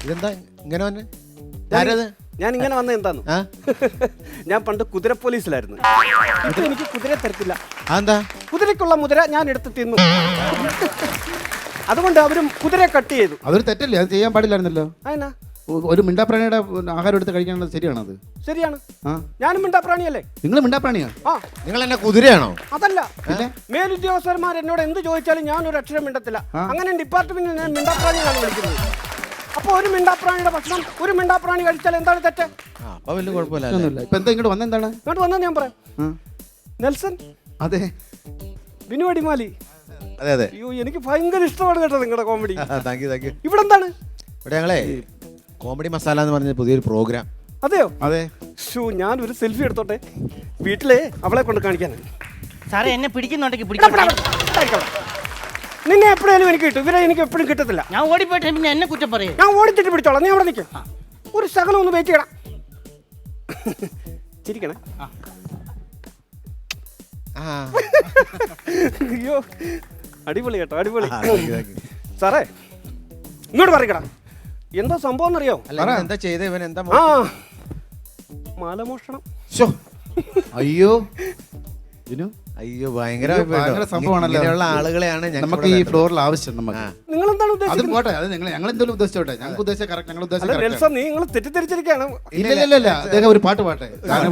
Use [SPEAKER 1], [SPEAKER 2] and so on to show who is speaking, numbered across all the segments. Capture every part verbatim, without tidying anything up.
[SPEAKER 1] ഇതെന്താ ഇങ്ങനെ വന്നെ? ആരത്?
[SPEAKER 2] ഞാൻ ഇങ്ങനെ വന്ന എന്താന്ന്, ഞാൻ പണ്ട് കുതിര പോലീസിലായിരുന്നു. ഇപ്പൊ എനിക്ക് കുതിര തരത്തില്ല.
[SPEAKER 1] അതെന്താ?
[SPEAKER 2] കുതിരക്കുള്ള മുതിര ഞാൻ എടുത്ത് തിന്നു. അതുകൊണ്ട് അവരും കുതിരയെ കട്ട് ചെയ്തു.
[SPEAKER 3] അതൊരു തെറ്റല്ലേ? അത് ചെയ്യാൻ പാടില്ലായിരുന്നല്ലോ.
[SPEAKER 2] അതിനാ
[SPEAKER 3] ഒരു മിണ്ടാപ്രാണിയുടെ ആഹാരം എടുത്ത് കഴിക്കാനുള്ളത് ശരിയാണത്?
[SPEAKER 2] ശരിയാണ്. ഞാനും മിണ്ടാപ്രാണിയല്ലേ?
[SPEAKER 3] നിങ്ങൾ മിണ്ടാപ്രാണിയാ?
[SPEAKER 2] ആ.
[SPEAKER 1] നിങ്ങൾ എന്നെ കുതിരയാണോ?
[SPEAKER 2] അതല്ല, മേലുദ്യോഗസ്ഥന്മാർ എന്നോട് എന്ത് ചോദിച്ചാലും ഞാൻ ഒരു അക്ഷരം മിണ്ടത്തില്ല. അങ്ങനെ ഡിപ്പാർട്ട്മെന്റിൽ ഞാൻ മിണ്ടാപ്രാണിയാണ് വിളിക്കുന്നത്. അപ്പൊ ഒരു മിണ്ടാപ്രാണിയുടെ ഭക്ഷണം ഒരു മിണ്ടാപ്രാണി കഴിച്ചാൽ എന്താണ് തെറ്റ്?
[SPEAKER 1] അപ്പൊ വലിയ കുഴപ്പമില്ല.
[SPEAKER 3] ഇപ്പൊ എന്താ ഇങ്ങോട്ട് വന്നെന്താണ്?
[SPEAKER 2] ഇങ്ങോട്ട് വന്നെന്ന് ഞാൻ പറയാം. നെൽസൺ.
[SPEAKER 3] അതെ.
[SPEAKER 2] ബിനു അടിമാലി.
[SPEAKER 1] അതെ അതെ.
[SPEAKER 2] അയ്യോ, എനിക്ക് ഭയങ്കര ഇഷ്ടമാണ് കേട്ടോ നിങ്ങളുടെ comedy.
[SPEAKER 1] Thank you thank you.
[SPEAKER 2] ഇവിടെ എന്താണ്?
[SPEAKER 1] ഇവിടെ ഞങ്ങളെ കോമഡി മസാല എന്ന് പറഞ്ഞ പുതിയൊരു പ്രോഗ്രാം.
[SPEAKER 2] അതെയോ?
[SPEAKER 3] അതെ.
[SPEAKER 2] ഷൂ, ഞാൻ ഒരു സെൽഫി എടുത്തോട്ടെ? വീട്ടിലെ അവളെ കൊണ്ട് കാണിക്കാനാണ്.
[SPEAKER 4] സാറേ എന്നെ പിടിക്കുന്നുണ്ടെങ്കിൽ
[SPEAKER 2] നിന്നെ എപ്പോഴായാലും എനിക്ക് കിട്ടും, ഇവരെ എനിക്ക് എപ്പോഴും കിട്ടത്തില്ല.
[SPEAKER 4] ഞാൻ ഓടിപ്പോയിട്ട് പിന്നെ എന്നെ കുറ്റം പറയും.
[SPEAKER 2] ഞാൻ ഓടിച്ചിട്ട് പിടിച്ചോളാം, നീ അവിടെ നിൽക്കാം. ഒരു ശകലം ഒന്ന് വെയിറ്റ് ചെയ്യണം. ചിരിക്കണേ. അയ്യോ, അടിപൊളി കേട്ടോ, അടിപൊളി. സാറേ ഇങ്ങോട്ട് പറയടാ, എന്താ സംഭവം എന്നറിയോ?
[SPEAKER 1] എന്താ ചെയ്ത ഇവൻ? എന്താ?
[SPEAKER 2] ആ, മാലമോഷണം.
[SPEAKER 3] അയ്യോ
[SPEAKER 1] അയ്യോ, ഭയങ്കര
[SPEAKER 3] സംഭവമാണല്ലോ.
[SPEAKER 1] ഇങ്ങനെയുള്ള ആളുകളെയാണ്
[SPEAKER 3] നമുക്ക് ഈ ഫ്ലോറിൽ ആവശ്യം. നമുക്ക്
[SPEAKER 2] നിങ്ങൾ എന്താണ് ഉദ്ദേശിച്ചത്?
[SPEAKER 3] പോട്ടെ, അത് നിങ്ങൾ ഞങ്ങൾ എന്തെങ്കിലും ഉദ്ദേശിച്ചോട്ടെ. ഞങ്ങൾക്ക് ഉദ്ദേശിച്ച കറക്റ്റ്. ഞങ്ങൾ ഉദ്ദേശിച്ച
[SPEAKER 2] നിങ്ങൾ തെറ്റിദ്ധരിച്ചിരിക്കുകയാണ്.
[SPEAKER 3] ഇല്ല ഇല്ല ഇല്ല, അദ്ദേഹം ഒരു പാട്ട് പാട്ടെ.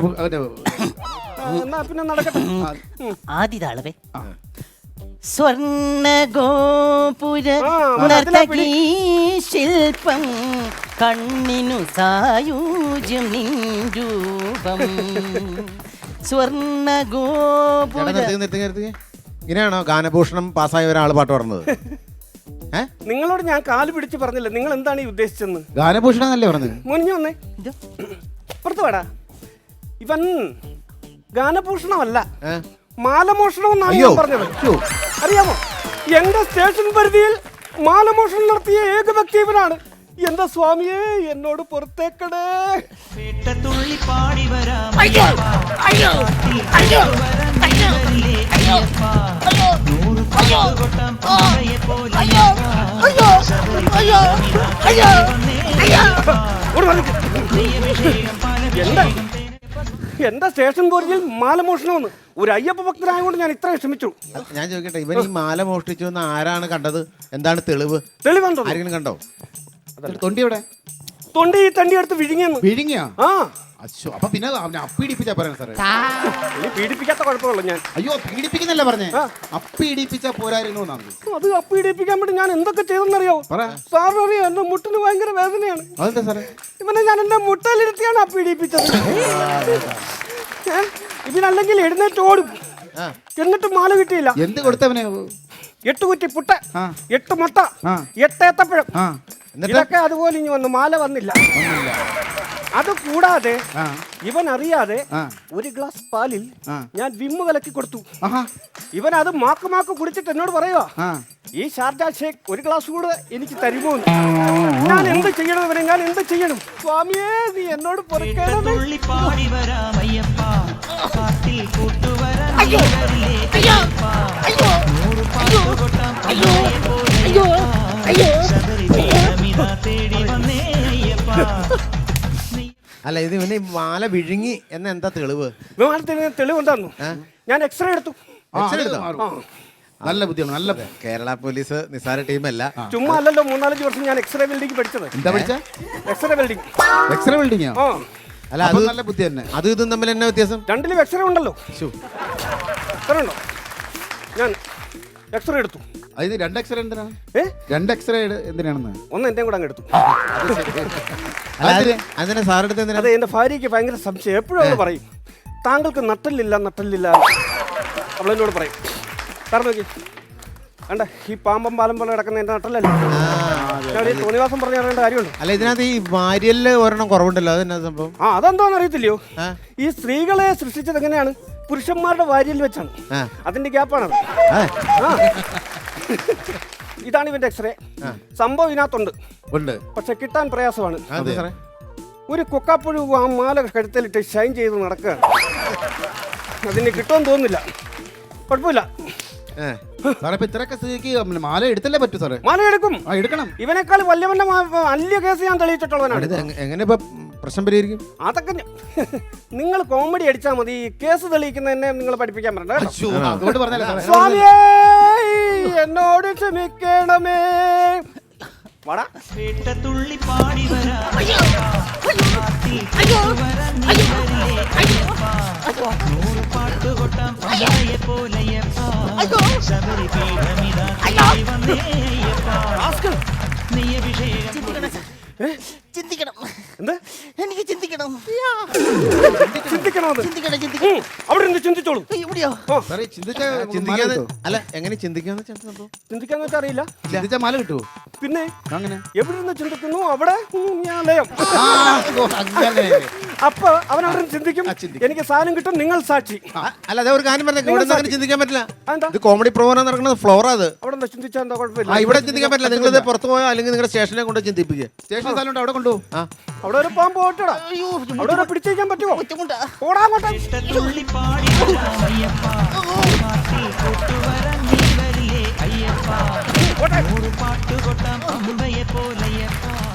[SPEAKER 2] എന്നാ പിന്നെ നടക്കട്ടെ.
[SPEAKER 4] ആദ്യതാളവേ. സ്വർണ്ണ ഗോപുര നർത്തകീ ശില്പം കണ്ണിനു സായൂജ്യം നിൻ രൂപം. സ്വർണ്ണ ഗോപുര.
[SPEAKER 1] ഇങ്ങനെയാണോ ഗാനഭൂഷണം പാസ്സായ ഒരാൾ പാട്ട് പറഞ്ഞത്?
[SPEAKER 2] നിങ്ങളോട് ഞാൻ കാല് പിടിച്ച് പറഞ്ഞില്ല, നിങ്ങൾ എന്താണ് ഈ ഉദ്ദേശിച്ചെന്ന്?
[SPEAKER 3] ഗാനഭൂഷണം എന്നല്ലേ പറഞ്ഞത്?
[SPEAKER 2] മുനിഞ്ഞു വന്നേ, പുറത്ത് വേടാ. ഇവൻ ഗാനഭൂഷണമല്ല, മാലമോഷണം എന്നാണ് ഞാൻ പറഞ്ഞത്. അറിയാമോ, എന്റെ സ്റ്റേഷൻ പരിധിയിൽ മാലമോഷണം നടത്തിയ ഏക വ്യക്തി ഇവനാണ്. എന്റെ സ്വാമിയെ എന്നോട് പുറത്തേക്കടേ. എന്റെ സ്റ്റേഷൻ പരിധിയിൽ മാലമോഷണമെന്ന് ഒരു അയ്യപ്പ ഭക്തനായതുകൊണ്ട് ഞാൻ ഇത്രയും ക്ഷമിച്ചു.
[SPEAKER 1] ഞാൻ ചോദിക്കട്ടെ, ഇവൻ ഈ മാല മോഷ്ടിച്ചു എന്ന് ആരാണ് കണ്ടത്? എന്താണ് തെളിവ്?
[SPEAKER 2] തെളിവുണ്ടോ?
[SPEAKER 1] ആരെങ്കിലും കണ്ടോ?
[SPEAKER 3] തൊണ്ടി എവിടെ?
[SPEAKER 2] തൊണ്ടി ഈ തണ്ടി എടുത്ത് വിഴുങ്ങിയെന്ന്.
[SPEAKER 3] വിഴുങ്ങിയാ?
[SPEAKER 2] ആ.
[SPEAKER 3] അയ്യോ, അപ്പൊ പിന്നെ അപ്പീഡിപ്പിച്ചാ പറയാൻ സാറേ.
[SPEAKER 2] പീഡിപ്പിക്കാത്ത കുഴപ്പമുള്ളൂ ഞാൻ.
[SPEAKER 3] അയ്യോ, പീഡിപ്പിക്കുന്നല്ല പറഞ്ഞേ, അപ്പീഡിപ്പിച്ചാ പോരായിരുന്നു എന്നാണ്.
[SPEAKER 2] അത് അപ്പീഡിപ്പിക്കാൻ വേണ്ടി ഞാൻ എന്തൊക്കെ ചെയ്തെന്നറിയോ? സാറിന് അറിയാം, എന്റെ മുട്ടിന് ഭയങ്കര വേദനയാണ്.
[SPEAKER 3] അതെന്താ സാറേ?
[SPEAKER 2] ഇവനെ ഞാൻ എന്റെ മുട്ടയിലിരുത്തിയാണ് അപ്പീഡിപ്പിച്ചത്. ഇവനല്ലെങ്കിൽ എഴുന്നേറ്റ് ഓടും, എന്നിട്ട് മാല കിട്ടിയില്ല.
[SPEAKER 3] എന്ത് കൊടുത്തവനെ?
[SPEAKER 2] എട്ട് കുറ്റി പുട്ട, എട്ട് മുട്ട, എട്ട് ഏത്തപ്പഴം, ഇതൊക്കെ അതുപോലെ ഇനി വന്നു, മാല വന്നില്ല. അത് കൂടാതെ ഇവൻ അറിയാതെ ഒരു ഗ്ലാസ് പാലിൽ ഞാൻ വിമ്മ് കലക്കി കൊടുത്തു. ഇവൻ അത് മാക്ക് മാക്ക് കുടിച്ചിട്ട് എന്നോട് പറയുക, ഈ ഷാർജ ഷേക്ക് ഒരു ഗ്ലാസ് കൂടെ എനിക്ക് തരുമോ? ഞാൻ എന്ത് ചെയ്യണം ഇവനെ, ഞാൻ എന്ത് ചെയ്യണം? സ്വാമിയേ, നീ എന്നോട്
[SPEAKER 1] അല്ല, ഇത് ഇവന് മാല വിഴുങ്ങി എന്ന എന്താ തെളിവ്?
[SPEAKER 2] വിമാനത്തിന് തെളിവ് എന്താന്നു? ഞാൻ എക്സ്റേ എടുത്തു.
[SPEAKER 3] നല്ല ബുദ്ധിയാണ്. നല്ല
[SPEAKER 1] കേരള പോലീസ് നിസാര ടീമല്ല.
[SPEAKER 2] ചുമ്മാ അല്ലല്ലോ, മൂന്നാലഞ്ച് വർഷം ഞാൻ എക്സ്റേ വെൽഡിംഗ് പഠിച്ചത്.
[SPEAKER 3] എന്താ പഠിച്ച?
[SPEAKER 2] X ray welding.
[SPEAKER 3] X ray welding?
[SPEAKER 1] അല്ല, അത് നല്ല ബുദ്ധി തന്നെ. അത് ഇതും തമ്മിൽ എന്നാ വ്യത്യാസം?
[SPEAKER 2] രണ്ടിലും എക്സ്റേ ഉണ്ടല്ലോ. ഉണ്ടോ? ഞാൻ എക്സ്റേ എടുത്തു.
[SPEAKER 3] അത് രണ്ട് എക്സ്റേ എന്തിനാണ്? രണ്ട് എക്സ്റേ എന്തിനാണെന്ന്? ഒന്ന്
[SPEAKER 2] എന്റെ കൂടെ അങ്ങ് എടുത്തു.
[SPEAKER 1] അതിനെ സാറെടുത്ത് എന്തിനാ?
[SPEAKER 2] അതെ, എന്റെ ഭാര്യയ്ക്ക് ഭയങ്കര സംശയം. എപ്പോഴും അവൾ പറയും, താങ്കൾക്ക് നട്ടല്ലില്ല നട്ടല്ലില്ല. അവളെന്നോട് പറയും, കാരണം നോക്കി വേണ്ട, ഈ പാമ്പം പാലം പോലെ കിടക്കുന്ന എന്റെ നട്ടല്ലല്ലോ. തോന്നിവാസം പറഞ്ഞു അറിയേണ്ട കാര്യമുണ്ട്.
[SPEAKER 1] അല്ല, ഇതിനകത്ത് ഈ വാര്യലില് ഒരെണ്ണം കുറവുണ്ടല്ലോ, അതെന്നാ സംഭവം?
[SPEAKER 2] ആ, അതെന്താന്ന് അറിയത്തില്ലയോ? ഈ സ്ത്രീകളെ സൃഷ്ടിച്ചത് എങ്ങനെയാണ്? പുരുഷന്മാരുടെ വാര്യൽ വെച്ചാണ്. അതിന്റെ ഗ്യാപ്പാണത്. ഇതാണ് ഇവന്റെ എക്സ്റേ. സംഭവം ഇതിനകത്തുണ്ട്, പക്ഷെ കിട്ടാൻ പ്രയാസമാണ്. ഒരു കൊക്കാപ്പുഴു ആ മാല കഴുത്തലിട്ട് ഷൈൻ ചെയ്ത് നടക്കുകയാണ്. അതിന് കിട്ടുമെന്ന് തോന്നുന്നില്ല. കുഴപ്പമില്ല,
[SPEAKER 3] സാറേ ഇപ്പൊ ഇത്രയൊക്കെ സ്ഥിതിക്ക് മാല എടുത്തല്ലേ പറ്റൂ സാറേ?
[SPEAKER 2] മാല എടുക്കും.
[SPEAKER 3] ആ എടുക്കണം.
[SPEAKER 2] ഇവനേക്കാൾ വല്യവന്റെ മാ- വലിയ കേസ് ഞാൻ തെളിയിച്ചിട്ടുള്ളവനാണ്.
[SPEAKER 1] ഇത് എങ്ങ- എങ്ങനെ ഇപ്പൊ പ്രശ്നം പരിഹരിക്കും?
[SPEAKER 2] അതൊക്കെ നിങ്ങൾ കോമഡി അടിച്ചാൽ മതി. കേസ് തെളിയിക്കുന്നതന്നെ നിങ്ങൾ പഠിപ്പിക്കാൻ പറ്റണ്ട കേട്ടോ.
[SPEAKER 3] ശ്ശോ, അതുകൊണ്ട് പറഞ്ഞല്ലേ സാറേ.
[SPEAKER 2] സ്വാമിയേ എന്നോട് ക്ഷമിക്കണമേ. വാടാ.
[SPEAKER 5] തുള്ളി പാടി വരാ നൂറ് പാട്ട് കൊട്ടാം പമ്പയെ പോലെയപ്പാ ശബരി പീഠമിതാ വന്നേയപ്പാ നീ അഭിഷേകം
[SPEAKER 4] ചിന്തിക്കണം.
[SPEAKER 2] എന്ത്
[SPEAKER 4] എനിക്ക് ചിന്തിക്കണം.
[SPEAKER 2] ചിന്തിക്കണത്?
[SPEAKER 4] ചിന്തിക്കണം ചിന്തിക്കണം.
[SPEAKER 2] അവിടെ നിന്ന് ചിന്തിച്ചോളൂ.
[SPEAKER 4] എവിടെയോ?
[SPEAKER 3] സാറേ ചിന്തിച്ച മാല
[SPEAKER 1] ചിന്തിക്കാന്ന്
[SPEAKER 3] കിട്ടുമോ?
[SPEAKER 1] അല്ല എങ്ങനെ ചിന്തിക്കാന്ന് വെച്ചാ എന്ത് സംഭവം?
[SPEAKER 2] ചിന്തിക്കാന്ന് വെച്ചാൽ അറിയില്ല.
[SPEAKER 3] ചിന്തിച്ച മാല കിട്ടുമോ?
[SPEAKER 2] പിന്നെ
[SPEAKER 3] അങ്ങനെ
[SPEAKER 2] എവിടെ നിന്ന് ചിന്തിക്കുന്നു അവിടെ ഞാൻ ലയം.
[SPEAKER 3] ആ, ഓ, അങ്ങനെ.
[SPEAKER 2] അപ്പൊ അവൻ അവിടെ നിന്ന് ചിന്തിക്കും, എനിക്ക് സാധനം കിട്ടും. നിങ്ങൾ സാക്ഷി.
[SPEAKER 1] ആ, അല്ല അതെ ഒരു കാര്യം പറഞ്ഞ ഇവിടെ അങ്ങനെ ചിന്തിക്കാൻ പറ്റില്ല.
[SPEAKER 2] അതെന്താ?
[SPEAKER 1] ഇത് കോമഡി പ്രോഗ്രാം നടക്കുന്നത് ഫ്ലോറാ അത്.
[SPEAKER 2] അവിടെ നിന്ന് ചിന്തിച്ചാൽ എന്താ
[SPEAKER 1] ആ
[SPEAKER 2] കുഴപ്പമില്ല.
[SPEAKER 1] ഇവിടെ ചിന്തിക്കാൻ പറ്റില്ല. നിങ്ങൾ ഇത് പുറത്ത് പോയോ അല്ലെങ്കിൽ നിങ്ങളുടെ സ്റ്റേഷനെ കൊണ്ട് ചിന്തിപ്പിക്കുക.
[SPEAKER 3] സ്റ്റേഷൻ സ്ഥലം ഉണ്ട്, അവിടെ കൊണ്ടുപോകും.
[SPEAKER 1] ആ
[SPEAKER 2] അവിടെ ഒരു പാമ്പ് പോട്ടടാ.
[SPEAKER 4] അയ്യോ
[SPEAKER 2] അവിടെ ഒരു പിടിച്ചേക്കാൻ പറ്റുമോ?
[SPEAKER 4] ബുദ്ധിമുട്ടാ.
[SPEAKER 2] ഓടാ അങ്ങോട്ട്.
[SPEAKER 5] തുള്ളി പാടി വരാം അയ്യപ്പാ മാറ്റി കൊട്ടുവരാൻ നീ വരില്ലേ അയ്യപ്പാ നൂറ് പാട്ട് കൊട്ടാം പമ്പയെ പോലെയപ്പാ